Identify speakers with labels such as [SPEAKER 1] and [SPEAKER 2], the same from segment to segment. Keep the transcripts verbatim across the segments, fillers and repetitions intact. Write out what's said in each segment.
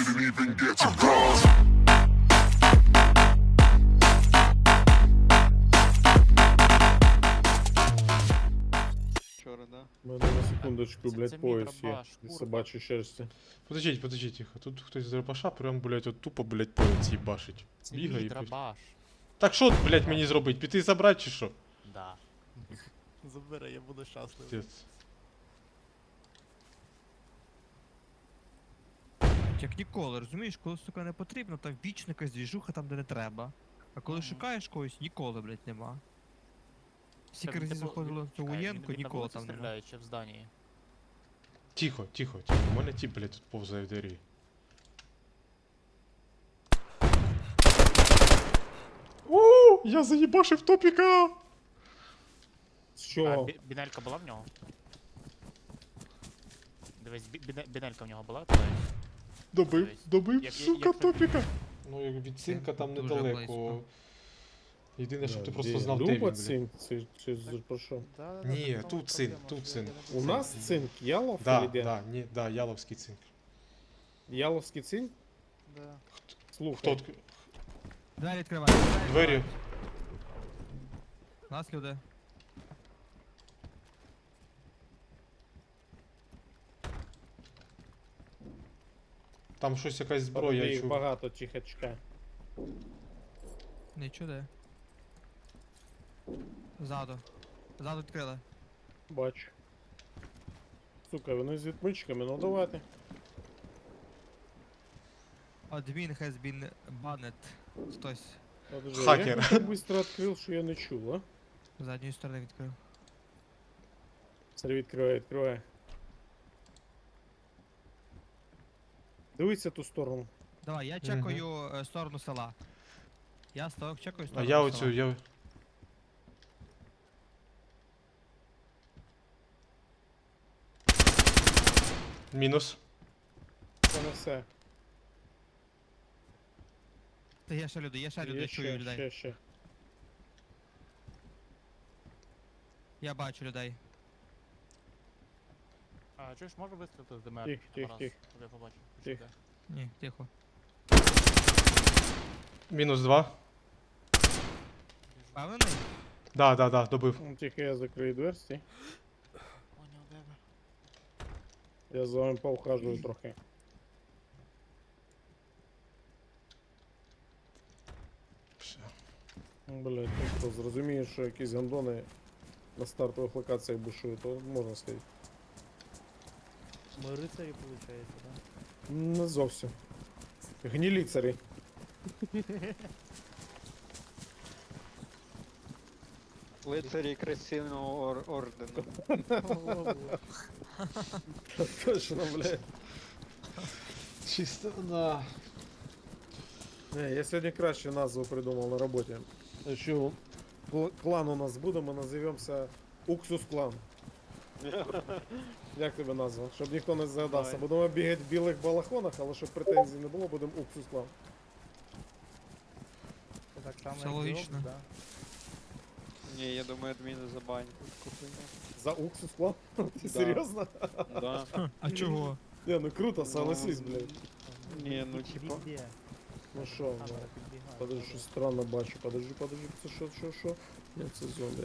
[SPEAKER 1] didn't even get to cross.
[SPEAKER 2] Вчора, да?
[SPEAKER 3] У мене на секундочку,
[SPEAKER 4] Це-
[SPEAKER 3] блядь,
[SPEAKER 4] це мій
[SPEAKER 3] пояс є.
[SPEAKER 4] дробаш,
[SPEAKER 3] Із
[SPEAKER 4] курва.
[SPEAKER 3] собачої шерсті.
[SPEAKER 5] Подождіть, подождіть, тихо. Тут хтось з дробаша прям, блядь, от тупо, блядь, поїть їбашить.
[SPEAKER 4] Це
[SPEAKER 5] Бігає
[SPEAKER 4] мій
[SPEAKER 5] і пиш-
[SPEAKER 4] драбаш.
[SPEAKER 5] Так що, блядь, мені зробити? Піти забрати чи що?
[SPEAKER 4] Да. Забери, я буду щасливий.
[SPEAKER 5] Пиздец.
[SPEAKER 6] Як ніколи, розумієш, коли, сука, не потрібно, там вічно якась двіжуха там, де не треба. А коли
[SPEAKER 4] Мгм.
[SPEAKER 6] шукаєш когось, ніколи, блядь, нема. Скільки
[SPEAKER 4] Він,
[SPEAKER 6] разів
[SPEAKER 4] типу,
[SPEAKER 6] заходило
[SPEAKER 4] він-
[SPEAKER 6] в цю
[SPEAKER 4] чекай, він-
[SPEAKER 6] воєнку,
[SPEAKER 4] він на
[SPEAKER 6] ніколи
[SPEAKER 4] вулиці
[SPEAKER 6] там нема.
[SPEAKER 4] стріляє чи в зданії?
[SPEAKER 5] Тихо, тихо, тихо. У мене тіп, блядь, тут повзає в двері. О, я заїбашив топіка!
[SPEAKER 3] З
[SPEAKER 4] А,
[SPEAKER 3] чого?
[SPEAKER 4] бі- бінелька була в нього? Дивись, бі- біне- бінелька в нього була? Дивись.
[SPEAKER 5] Добив,
[SPEAKER 4] Дивись.
[SPEAKER 5] добив,
[SPEAKER 4] Як-
[SPEAKER 5] сука,
[SPEAKER 4] як тобі?
[SPEAKER 5] топіка. Ну, як від цинка там
[SPEAKER 6] Дуже
[SPEAKER 5] недалеко.
[SPEAKER 6] близько.
[SPEAKER 5] Єдине, щоб ти
[SPEAKER 3] Де?
[SPEAKER 5] просто знав, де він,
[SPEAKER 3] Люба
[SPEAKER 5] блядь.
[SPEAKER 3] цинк, це, це з- про що?
[SPEAKER 5] Ні, тут цинк, тут цинк.
[SPEAKER 3] У нас цинк, Ялов
[SPEAKER 5] Да,
[SPEAKER 3] или де?
[SPEAKER 5] да, ні, да, яловський цинк.
[SPEAKER 3] Яловський цинк?
[SPEAKER 4] Да.
[SPEAKER 3] Слухай.
[SPEAKER 5] Хто відк-
[SPEAKER 6] Двері відкривай.
[SPEAKER 5] Двері.
[SPEAKER 6] У нас люди.
[SPEAKER 5] Там щось якась
[SPEAKER 3] Зброя,
[SPEAKER 5] зброя, я
[SPEAKER 3] їх
[SPEAKER 5] чув.
[SPEAKER 3] багато, тихо, чекай.
[SPEAKER 6] Нічого де. Ззаду. Ззаду відкрили.
[SPEAKER 3] Бачу. Сука, вони з відмичками, ну давайте.
[SPEAKER 6] Admin has been banned. Хтось
[SPEAKER 3] Подожди,
[SPEAKER 5] Хакер.
[SPEAKER 3] Я так быстро відкрив, що я не чув, а?
[SPEAKER 6] з задньої сторони відкрив.
[SPEAKER 3] Смотри, відкривай, відкривай. Дивися ту сторону.
[SPEAKER 6] Давай, я чекаю е, сторону села. Я ставок чекаю
[SPEAKER 5] А
[SPEAKER 6] сторону
[SPEAKER 5] я
[SPEAKER 6] села.
[SPEAKER 5] оцю, я... Мінус.
[SPEAKER 3] Це не все.
[SPEAKER 6] Та є ще люди, є ще люди,
[SPEAKER 3] Є
[SPEAKER 6] чую
[SPEAKER 3] ще,
[SPEAKER 6] людей.
[SPEAKER 3] ще, ще.
[SPEAKER 6] Я бачу людей.
[SPEAKER 4] А, чуєш, можу вистрілити з ДМР?
[SPEAKER 3] Тих, тих,
[SPEAKER 4] Раз,
[SPEAKER 3] тих.
[SPEAKER 4] щоб я побачив.
[SPEAKER 3] Тих.
[SPEAKER 4] Що
[SPEAKER 6] Ні, тихо.
[SPEAKER 5] Мінус два.
[SPEAKER 6] Впевнений?
[SPEAKER 5] Да, да, да, добив.
[SPEAKER 3] Ну, тихо, я закрию двері, стій.
[SPEAKER 4] де? Поняв, де ви?
[SPEAKER 3] Я за вами поухажую трохи.
[SPEAKER 5] Все.
[SPEAKER 3] Ну, блядь, ну хто зрозуміє, що якісь гандони на стартових локаціях бушують, то можна сказати.
[SPEAKER 7] Ми рицарі, виходить, да?
[SPEAKER 3] Не зовсім. Гніліцарі.
[SPEAKER 2] Лицарі красивного ор ордену.
[SPEAKER 3] Точно, блядь.
[SPEAKER 5] Чисто, да.
[SPEAKER 3] Не, я сьогодні краще назву придумав на роботі. Якщо кл- клан у нас буде, ми називемося Уксус клан. Як тебе назва? Щоб ніхто не згадався.
[SPEAKER 4] Давай.
[SPEAKER 3] Будемо бігати в білих балахонах, але щоб претензій не було, будемо Уксус клан.
[SPEAKER 7] Це так само,
[SPEAKER 6] Все
[SPEAKER 7] як
[SPEAKER 6] логічно.
[SPEAKER 7] Джобс, да?
[SPEAKER 2] Ні, я думаю, адміни забанять.
[SPEAKER 3] За Уксус клан? Ти
[SPEAKER 2] Да.
[SPEAKER 3] серйозно?
[SPEAKER 2] Да.
[SPEAKER 6] А чого?
[SPEAKER 3] Не, ну круто, согласись, блядь.
[SPEAKER 2] Ні, ну типа.
[SPEAKER 7] Везде.
[SPEAKER 3] Ну що,
[SPEAKER 7] Камера
[SPEAKER 3] блядь.
[SPEAKER 7] підбігає.
[SPEAKER 3] Подожди, щось странно бачу. Подожди, подожди, це що, що, що? Ні, це зомбі.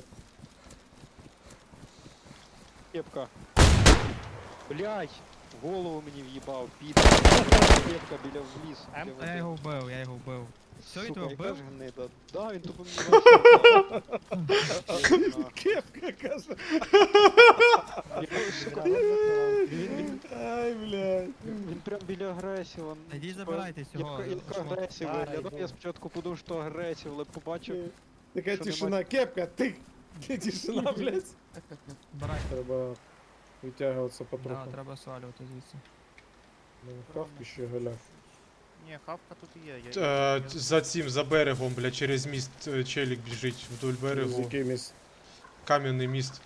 [SPEAKER 2] Кепка. Блять! Голову мені в'їбав, піде. Кепка біля в ліс.
[SPEAKER 7] Ем,
[SPEAKER 2] біля
[SPEAKER 6] А я
[SPEAKER 2] води.
[SPEAKER 6] його вбив, я його вбив. Все, він
[SPEAKER 2] Сука,
[SPEAKER 6] тебе
[SPEAKER 2] яка
[SPEAKER 6] вбив?
[SPEAKER 2] ж гнида. Да, він тупо мені вийшов.
[SPEAKER 3] Кепка, каже. Ай, блядь.
[SPEAKER 2] Він прям біля агресіва.
[SPEAKER 6] Ідіть
[SPEAKER 2] Типа,
[SPEAKER 6] забирайте цього.
[SPEAKER 2] Як, як
[SPEAKER 6] шмат.
[SPEAKER 2] агресів
[SPEAKER 7] Да,
[SPEAKER 2] виглядав,
[SPEAKER 7] йду.
[SPEAKER 2] я спочатку подумав, що агресів, але побачив.
[SPEAKER 3] Така
[SPEAKER 2] Що
[SPEAKER 3] тишина, кепка, ти. Тишина, блядь.
[SPEAKER 6] Забирайте.
[SPEAKER 3] Треба витягуватися
[SPEAKER 6] Да,
[SPEAKER 3] потроху.
[SPEAKER 6] треба свалювати звідси.
[SPEAKER 3] Ну, Хавки ще галяв.
[SPEAKER 4] Ні, хавка тут є. Я, я,
[SPEAKER 5] Е, за цим, за берегом, бля, через міст е, челік біжить вдоль
[SPEAKER 3] З
[SPEAKER 5] берегу.
[SPEAKER 3] якимось.
[SPEAKER 5] Кам'яний міст.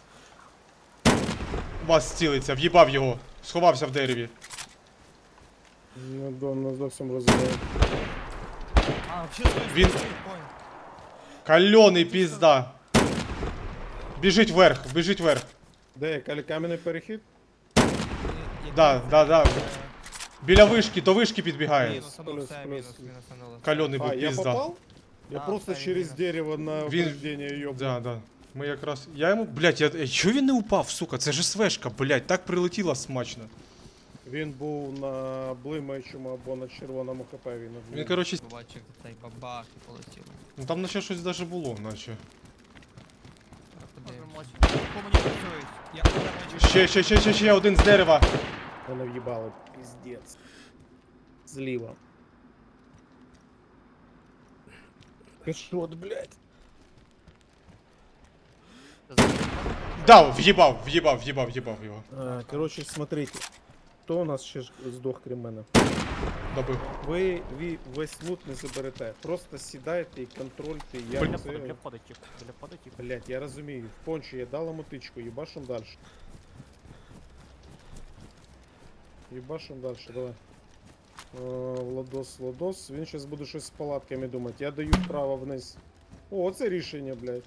[SPEAKER 5] Вас цілиться, в'їбав його. Сховався в дереві.
[SPEAKER 3] Не, до- не зовсім розумію.
[SPEAKER 6] А, взагалі стой,
[SPEAKER 5] Він-
[SPEAKER 6] стой, стой.
[SPEAKER 5] Кальоний пізда. Біжить вверх, біжить вверх.
[SPEAKER 3] Де, калі- кам'яний перехід?
[SPEAKER 6] Е,
[SPEAKER 5] Да,
[SPEAKER 6] який
[SPEAKER 5] да, да.
[SPEAKER 6] це,
[SPEAKER 5] Біля вишки, до вишки підбігає.
[SPEAKER 6] Мінусануло,
[SPEAKER 3] плюс,
[SPEAKER 6] все,
[SPEAKER 3] плюс.
[SPEAKER 6] мінус, мінусануло.
[SPEAKER 5] Кальоний
[SPEAKER 3] А,
[SPEAKER 5] був
[SPEAKER 3] я
[SPEAKER 5] пізда.
[SPEAKER 3] попал? Я
[SPEAKER 6] Да,
[SPEAKER 3] просто
[SPEAKER 6] да,
[SPEAKER 3] через
[SPEAKER 6] именно.
[SPEAKER 3] дерево на
[SPEAKER 5] Він-
[SPEAKER 3] упреждение ёбнул.
[SPEAKER 5] Да, да. Ми якраз. Я йому. Блять, я. Ей, чого він не упав, сука? Це ж СВшка, блять, так прилетіла смачно.
[SPEAKER 3] Він був на блимаючому або на червоному хп. Він,
[SPEAKER 5] Він, коротше,
[SPEAKER 6] Побачив цей бабах і полетів.
[SPEAKER 5] ну там наче щось даже було, наче.
[SPEAKER 4] Можемо мочі.
[SPEAKER 6] Комунікують. Я я бачу.
[SPEAKER 5] Ще, ще, ще, ще, ще один з дерева.
[SPEAKER 3] Мене в'їбало. Піздець. Зліва. Кашот, блядь.
[SPEAKER 5] Дав, в'їбав, в'їбав, в'їбав, в'їбав його.
[SPEAKER 3] А, короче, смотрите. Хто у нас ще ж здох, крім мене?
[SPEAKER 5] Добив.
[SPEAKER 3] Ви, ви весь лут не заберете. Просто сідайте і контрольте, як
[SPEAKER 4] Біля
[SPEAKER 3] це...
[SPEAKER 4] входу, біля входу тіп. Біля входу тіп.
[SPEAKER 3] Блять, я розумію. В пончі я дала мотичку, їбашим дальше. Їбашим дальше, давай. Е, Владос, Владос. Він зараз буде щось з палатками думати. Я даю вправо вниз. О, це рішення, блядь.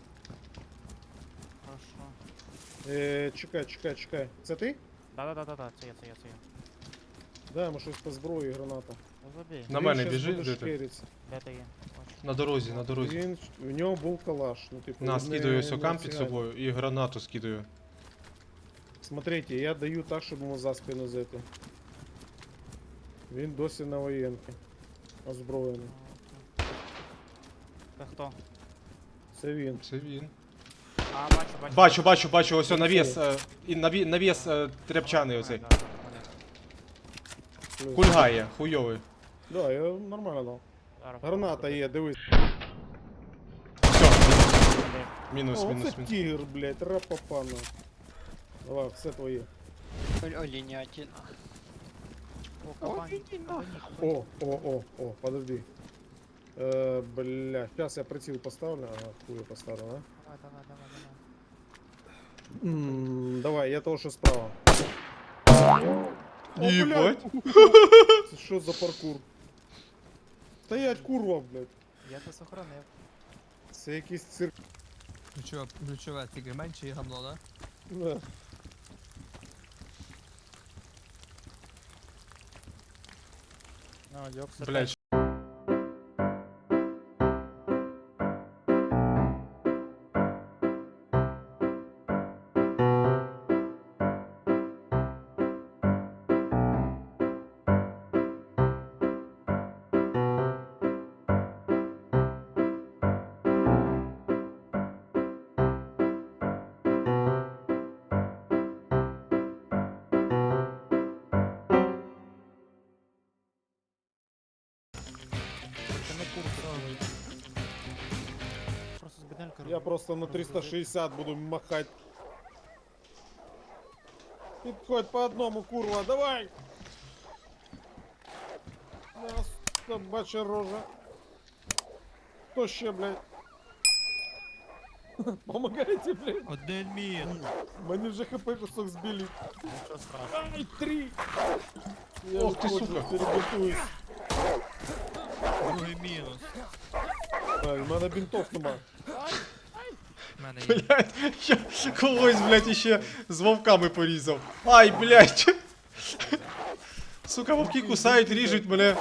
[SPEAKER 4] Хорошо.
[SPEAKER 3] Е, чекай, чекай, чекай. Це ти?
[SPEAKER 4] Да-да-да-да, це я, це я, це я.
[SPEAKER 3] Дай йому щось по зброї, граната.
[SPEAKER 4] Ну, забій.
[SPEAKER 5] На
[SPEAKER 3] Він
[SPEAKER 5] мене
[SPEAKER 3] щас
[SPEAKER 5] біжи,
[SPEAKER 3] буде
[SPEAKER 5] де ти?
[SPEAKER 3] шкериться.
[SPEAKER 4] Де ти є? Бачу.
[SPEAKER 5] На дорозі, на дорозі.
[SPEAKER 3] Він, в нього був калаш. Ну, типу,
[SPEAKER 5] На,
[SPEAKER 3] не-
[SPEAKER 5] скидаю ось
[SPEAKER 3] не
[SPEAKER 5] окам під
[SPEAKER 3] цигань.
[SPEAKER 5] собою і гранату скидаю.
[SPEAKER 3] Смотрите, я даю так, щоб йому за спину зайти. Він досі на воєнки. Озброєний.
[SPEAKER 4] Це хто?
[SPEAKER 3] Це він.
[SPEAKER 5] Це він.
[SPEAKER 4] А, бачу, бачу.
[SPEAKER 5] Бачу, бачу, бачу, ось о, навіс. е, І наві- навіс е, тряпчаний оцей.
[SPEAKER 4] Да, да, да,
[SPEAKER 3] Плюс.
[SPEAKER 5] Кульгає, хуйовий.
[SPEAKER 3] Да, я нормально дав.
[SPEAKER 4] Зараз
[SPEAKER 3] Граната є, дивись.
[SPEAKER 5] Все,
[SPEAKER 4] попробую.
[SPEAKER 5] мінус,
[SPEAKER 3] О,
[SPEAKER 5] мінус,
[SPEAKER 3] це
[SPEAKER 5] мінус.
[SPEAKER 3] тігр, блядь, рапапана. Давай, все твоє.
[SPEAKER 2] Оленятина.
[SPEAKER 4] О, кабані.
[SPEAKER 3] О, о, о, о, подожди. Е, бля, сейчас я приціл поставлю. Ага, хуй я поставлю, да?
[SPEAKER 4] Давай, давай, давай, давай.
[SPEAKER 3] М, давай, я того, що справа. О,
[SPEAKER 5] Єбать.
[SPEAKER 3] блядь. Це що за паркур? Стоять, курва, блядь.
[SPEAKER 4] Я це сохранив.
[SPEAKER 3] Це якийсь цирк.
[SPEAKER 6] Ключове, ключове тільки менше і гамно, да?
[SPEAKER 3] Да.
[SPEAKER 4] Ну, йокс.
[SPEAKER 5] Блять.
[SPEAKER 4] Це не курс. Просто з беделька
[SPEAKER 3] Я просто на триста шістдесят буду махать. Підходь по одному, курва, давай! Нас собача рожа. Хто ще, блядь? Помогайте, блядь.
[SPEAKER 6] Один мін.
[SPEAKER 3] Мені вже хп кусок збили.
[SPEAKER 4] Нічого страшного.
[SPEAKER 3] Ай, три! Я
[SPEAKER 5] Ох ти,
[SPEAKER 3] виходжу,
[SPEAKER 5] сука.
[SPEAKER 3] перебинтуюсь.
[SPEAKER 6] Другий мінус.
[SPEAKER 3] Так, в мене бінтов нема.
[SPEAKER 6] В мене є.
[SPEAKER 5] Блять, я когось, блять, іще з вовками порізав. Ай, блять. Сука, вовки кусають, ріжуть мене.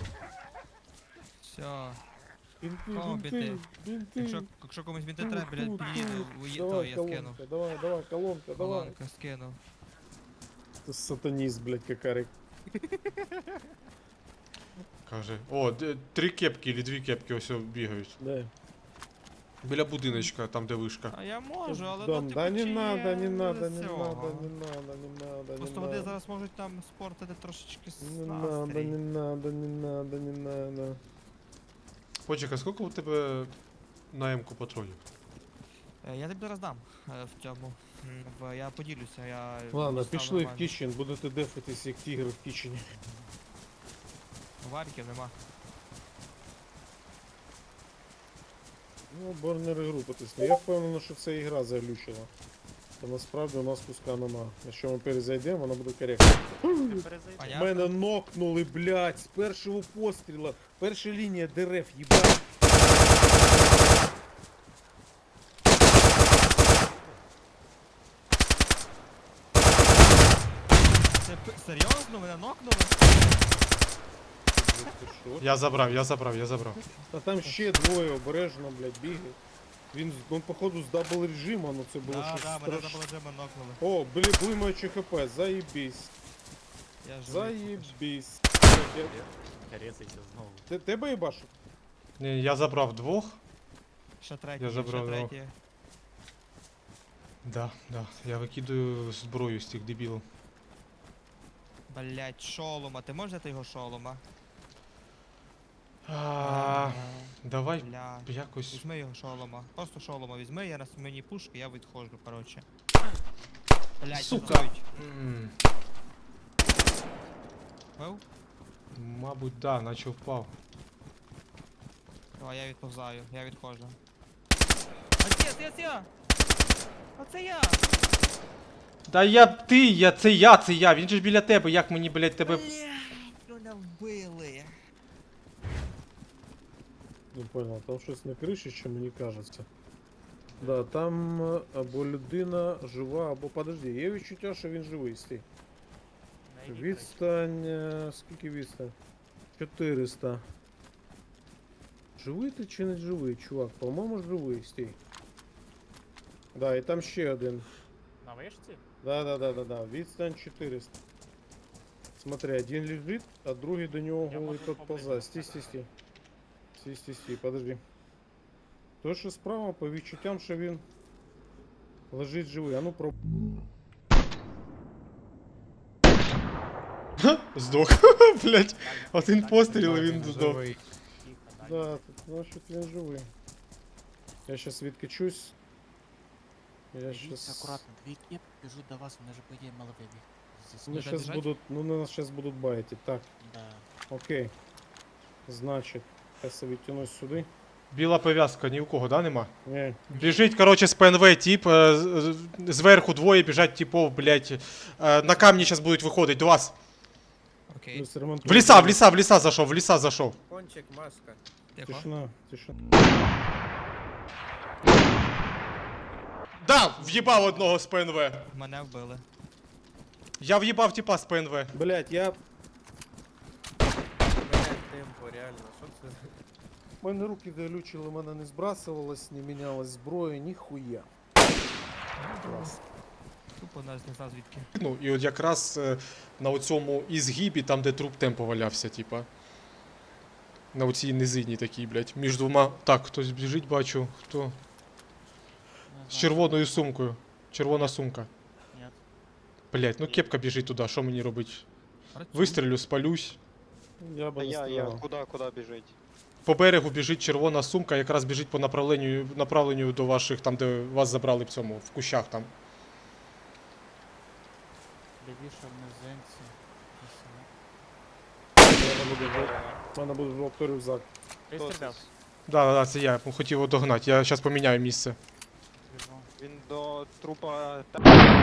[SPEAKER 6] Все.
[SPEAKER 3] Бінти,
[SPEAKER 6] Кого
[SPEAKER 3] бінти,
[SPEAKER 6] біти?
[SPEAKER 3] бінти.
[SPEAKER 6] Якщо, якщо комусь він не треба, блядь,
[SPEAKER 3] Тут,
[SPEAKER 6] під'їду,
[SPEAKER 3] тут.
[SPEAKER 6] уї-
[SPEAKER 3] Давай,
[SPEAKER 6] то я скину.
[SPEAKER 3] колонка, давай, давай, колонка, давай.
[SPEAKER 6] Колонка скину.
[SPEAKER 3] Ты сатанист, блядь, какарик.
[SPEAKER 5] Каже. О, д- три кепки или дві кепки ось бігають.
[SPEAKER 3] Да.
[SPEAKER 5] Біля будиночка, там де вишка.
[SPEAKER 6] А я можу, але
[SPEAKER 3] Да,
[SPEAKER 6] ну, типу,
[SPEAKER 3] да не
[SPEAKER 6] чи
[SPEAKER 3] надо,
[SPEAKER 6] є
[SPEAKER 3] не надо,
[SPEAKER 6] з
[SPEAKER 3] не
[SPEAKER 6] цього?
[SPEAKER 3] надо, не надо, не надо, не
[SPEAKER 6] Просто вони
[SPEAKER 3] надо.
[SPEAKER 6] зараз можуть там спортити трошечки
[SPEAKER 3] Не надо,
[SPEAKER 6] настрій.
[SPEAKER 3] не надо, не надо, не надо.
[SPEAKER 5] Почекай, скільки у тебе на М-ку патронів?
[SPEAKER 6] Е, Я тобі зараз дам е, в цьому. м, В, я поділюся, я...
[SPEAKER 3] Ладно,
[SPEAKER 6] дістану
[SPEAKER 3] пішли в
[SPEAKER 6] нормально.
[SPEAKER 3] кічен, будете дефатись як тігр в кічені.
[SPEAKER 6] Варіків нема.
[SPEAKER 3] Ну, борнери групи тисну. Я впевнений, що це ігра заглючила. Та насправді у нас куска нема. Якщо ми перезайдемо, воно буде коректно.
[SPEAKER 6] А я...
[SPEAKER 3] Мене нокнули, блядь, з першого постріла. Перша лінія дерев, їбать.
[SPEAKER 6] Це, п- Серйозно? Мене нокнули?
[SPEAKER 3] Ти що?
[SPEAKER 5] Я забрав, я забрав, я забрав.
[SPEAKER 3] А там ще двоє обережно, блядь, бігають. Він, з- ну, походу, з дабл режиму, ну це було
[SPEAKER 6] Да,
[SPEAKER 3] щось
[SPEAKER 6] да, мене
[SPEAKER 3] страшне.
[SPEAKER 6] забули джема нокнули.
[SPEAKER 3] О, блі, блимаючи хп, заєбісь.
[SPEAKER 6] Я живий.
[SPEAKER 3] Заєбісь. Блядь, я-
[SPEAKER 4] Рецайся знову.
[SPEAKER 3] Ти, тебе їбашу?
[SPEAKER 5] Ні, я забрав двох.
[SPEAKER 6] Ще третій,
[SPEAKER 5] Я
[SPEAKER 6] ще
[SPEAKER 5] забрав його.
[SPEAKER 6] третій.
[SPEAKER 5] Да, да. Я викидаю зброю з тих дебілів.
[SPEAKER 6] Блять, шолома. Ти можеш взяти його шолома?
[SPEAKER 5] А, давай
[SPEAKER 6] Бля.
[SPEAKER 5] якось.
[SPEAKER 6] Візьми його шолома. Просто шолома візьми, я на мені пушки, я відходжу, коротше. Блять,
[SPEAKER 5] Сука. М,
[SPEAKER 6] Бив?
[SPEAKER 5] Мабуть, да, наче впав.
[SPEAKER 6] Давай, я відповзаю, я відходжу. Отець, я, я! Оце я!
[SPEAKER 5] Да я ти, я це я, це я. Він же ж біля тебе, як мені, блядь, тебе.
[SPEAKER 6] Блять, мене вбили!
[SPEAKER 3] Не понял, там щось на криші, чи мені кажеться. Да, там е, або людина жива, або подожди, є відчуття, що він живий, стій. Відстань, е, скільки відстань? чотириста. Живий ти чи не живий, чувак? По-моєму, живий, стій. Да, і там ще один.
[SPEAKER 4] На вишці?
[SPEAKER 3] Да, да, да, да, да. Відстань чотириста. Смотри, один лежит, а другий до нього
[SPEAKER 4] Я
[SPEAKER 3] голий
[SPEAKER 4] можу
[SPEAKER 3] тот
[SPEAKER 4] поблизу
[SPEAKER 3] ползає. Стій, стій,
[SPEAKER 4] сказати.
[SPEAKER 3] стій. Стій, стій, стій, подожди. То, що справа, по відчуттям, що він лежить живий. А ну про...
[SPEAKER 5] Здох. Блядь. Один постріл і він здох.
[SPEAKER 4] Тихо, далі.
[SPEAKER 3] Да, тут, значить він живий. Я щас відкачусь. Я
[SPEAKER 1] Дивіться,
[SPEAKER 3] щас...
[SPEAKER 1] акуратно, дві кеп біжуть до вас, вони ж по ідеї мали вибіг.
[SPEAKER 3] Ну,
[SPEAKER 6] Вже
[SPEAKER 3] щас
[SPEAKER 6] біжать?
[SPEAKER 3] будуть, ну, нас щас будуть байтити. Так,
[SPEAKER 1] Да.
[SPEAKER 3] окей. Значить, я відтянусь сюди.
[SPEAKER 5] Біла пов'язка, ні у кого, да, нема?
[SPEAKER 3] Ні,
[SPEAKER 5] Біжить, короче, з ПНВ тип, е, з- з- зверху двоє біжать типов, блядь. Е, На камні зараз будуть виходити до вас.
[SPEAKER 6] Окей,
[SPEAKER 3] плюс ремонт.
[SPEAKER 5] В ліса, в ліса, в ліса зайшов, в ліса зайшов.
[SPEAKER 8] Кончик, маска.
[SPEAKER 6] тихо.
[SPEAKER 3] Тишина, тишина.
[SPEAKER 5] Да, в'їбав одного з ПНВ.
[SPEAKER 6] Мене вбили.
[SPEAKER 5] Я в'їбав типа з ПНВ.
[SPEAKER 3] Блять, я...
[SPEAKER 8] Блять, темпо, реально. Що це?
[SPEAKER 3] У мене руки залючили, у мене не збрасувалось, не мінялась зброя, ніхуя. Клас.
[SPEAKER 6] Тупо нас не знав звідки.
[SPEAKER 5] Ну, і от якраз е, на оцьому ізгибі, там де труп темпо валявся, типа. На оцій низині такій, блядь. Між двома. Так, хтось біжить, бачу. Хто?
[SPEAKER 1] Не
[SPEAKER 5] З
[SPEAKER 1] знаю,
[SPEAKER 5] червоною сумкою. Червона сумка.
[SPEAKER 1] ні.
[SPEAKER 5] Блядь, ну кепка біжить туди, що мені робить?
[SPEAKER 6] Працюй.
[SPEAKER 5] Вистрілю, спалюсь.
[SPEAKER 3] Я би
[SPEAKER 2] Та
[SPEAKER 3] не
[SPEAKER 2] я, я,
[SPEAKER 3] стріляв.
[SPEAKER 2] куда, куда біжить?
[SPEAKER 5] По берегу біжить червона сумка, якраз біжить по направленню, направленню до ваших, там де вас забрали в цьому, в кущах там.
[SPEAKER 1] Лівіше в низинці.
[SPEAKER 3] У мене буде жов- У мене буде жовтий рюкзак.
[SPEAKER 4] Ти
[SPEAKER 2] Хто
[SPEAKER 4] стріляв?
[SPEAKER 2] це?
[SPEAKER 5] Да, да, да, це я хотів його догнати. Я зараз поміняю місце.
[SPEAKER 1] Біжу.
[SPEAKER 2] Він до трупа. та-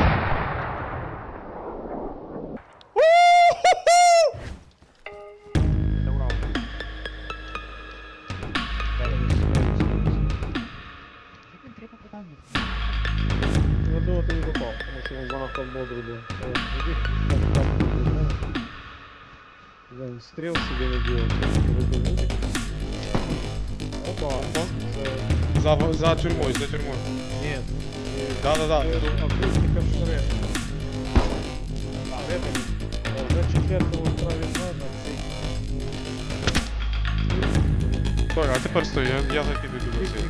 [SPEAKER 4] Це Урал.
[SPEAKER 3] Я думаю, ти не попав, тому що він занадто бодрий був. О, іди, там, там, там. Блин, стріл собі не делал. Опа, це...
[SPEAKER 5] За, за тюрмою, за тюрмою.
[SPEAKER 3] Нет.
[SPEAKER 5] Да, да, да.
[SPEAKER 3] Акустика шрек. А, это... За четвертого правильно надо.
[SPEAKER 5] Так, а тепер стой, я, я закидаю туди цей.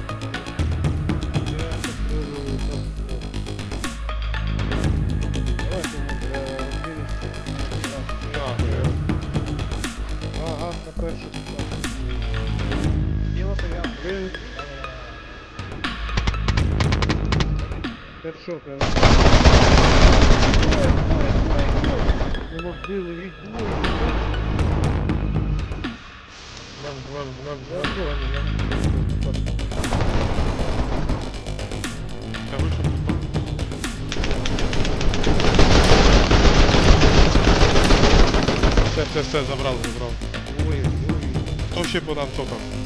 [SPEAKER 3] Ага, на першу. Біла пов'язка. Хедшот, я не били від двоє.
[SPEAKER 5] Нам, нам, нам,
[SPEAKER 3] Я понял, я...
[SPEAKER 5] Я вийшов. Все, все, все, забрав, забрав.
[SPEAKER 3] Ой, ой.
[SPEAKER 5] Хто ще по нам топав?